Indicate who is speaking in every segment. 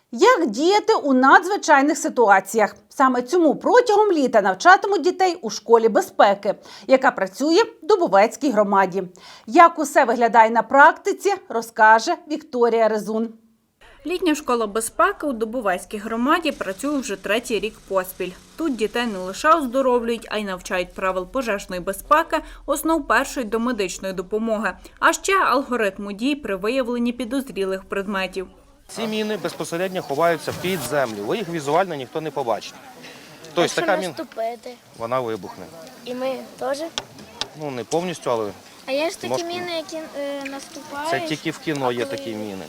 Speaker 1: Як діяти у надзвичайних ситуаціях? Саме цьому протягом літа навчатимуть дітей у школі безпеки, яка працює в Дубовецькій громаді. Як усе виглядає на практиці, розкаже Вікторія Резун.
Speaker 2: Літня школа безпеки у Дубовецькій громаді працює вже третій рік поспіль. Тут дітей не лише оздоровлюють, а й навчають правил пожежної безпеки, основ першої домедичної допомоги, а ще алгоритму дій при виявленні підозрілих предметів.
Speaker 3: Ці міни безпосередньо ховаються під землю, ви їх візуально ніхто не побачить. Тобто така міна, вона вибухне.
Speaker 4: І ми теж?
Speaker 3: Ну, не повністю, але...
Speaker 4: А є ж такі міни, які наступають?
Speaker 3: Це тільки в кіно є такі міни.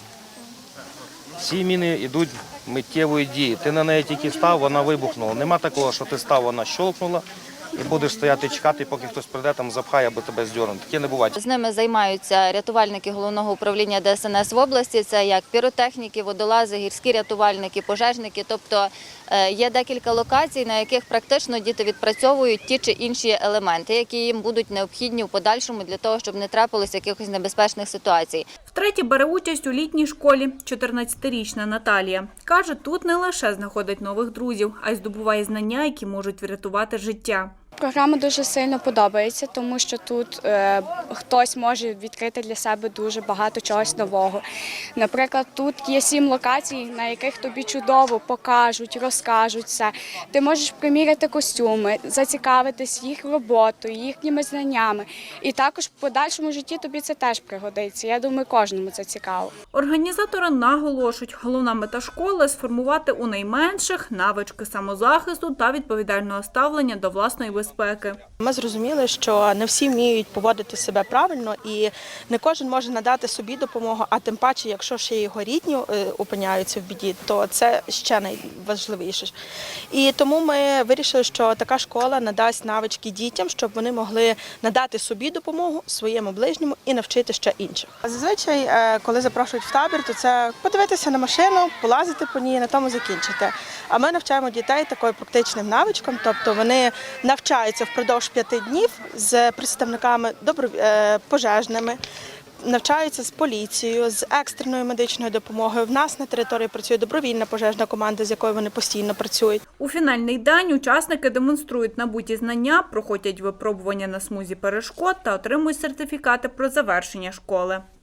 Speaker 3: Ці міни йдуть миттєвої дії. Ти на неї тільки став, вона вибухнула. Нема такого, що ти став, вона щолкнула. І будеш стояти і чекати, поки хтось прийде, там запхає, аби тебе здьорне. Таке не буває.
Speaker 5: З ними займаються рятувальники Головного управління ДСНС в області. Це як піротехніки, водолази, гірські рятувальники, пожежники. Тобто є декілька локацій, на яких практично діти відпрацьовують ті чи інші елементи, які їм будуть необхідні в подальшому для того, щоб не трапилось якихось небезпечних ситуацій.
Speaker 2: Втретє бере участь у літній школі 14-річна Наталія. Каже, тут не лише знаходить нових друзів, а й здобуває знання, які можуть врятувати життя.
Speaker 6: Програма дуже сильно подобається, тому що тут хтось може відкрити для себе дуже багато чогось нового. Наприклад, тут є 7 локацій, на яких тобі чудово покажуть, розкажуть все. Ти можеш приміряти костюми, зацікавитись їх роботою, їхніми знаннями. І також в подальшому житті тобі це теж пригодиться. Я думаю, кожному це цікаво.
Speaker 2: Організатори наголошують, головна мета школи – сформувати у найменших навички самозахисту та відповідального ставлення до власної безпеки.
Speaker 7: Ми зрозуміли, що не всі вміють поводити себе правильно і не кожен може надати собі допомогу, а тим паче, якщо ще його рідні опиняються в біді, то це ще найважливіше. І тому ми вирішили, що така школа надасть навички дітям, щоб вони могли надати собі допомогу, своєму ближньому і навчити ще інших. Зазвичай, коли запрошують в табір, то це подивитися на машину, полазити по ній, на тому закінчити. А ми навчаємо дітей такою практичним навичкам, тобто вони навчаються впродовж 5 днів з представниками пожежними, навчаються з поліцією, з екстреною медичною допомогою. В нас на території працює добровільна пожежна команда, з якою вони постійно працюють.
Speaker 2: У фінальний день учасники демонструють набуті знання, проходять випробування на смузі перешкод та отримують сертифікати про завершення школи.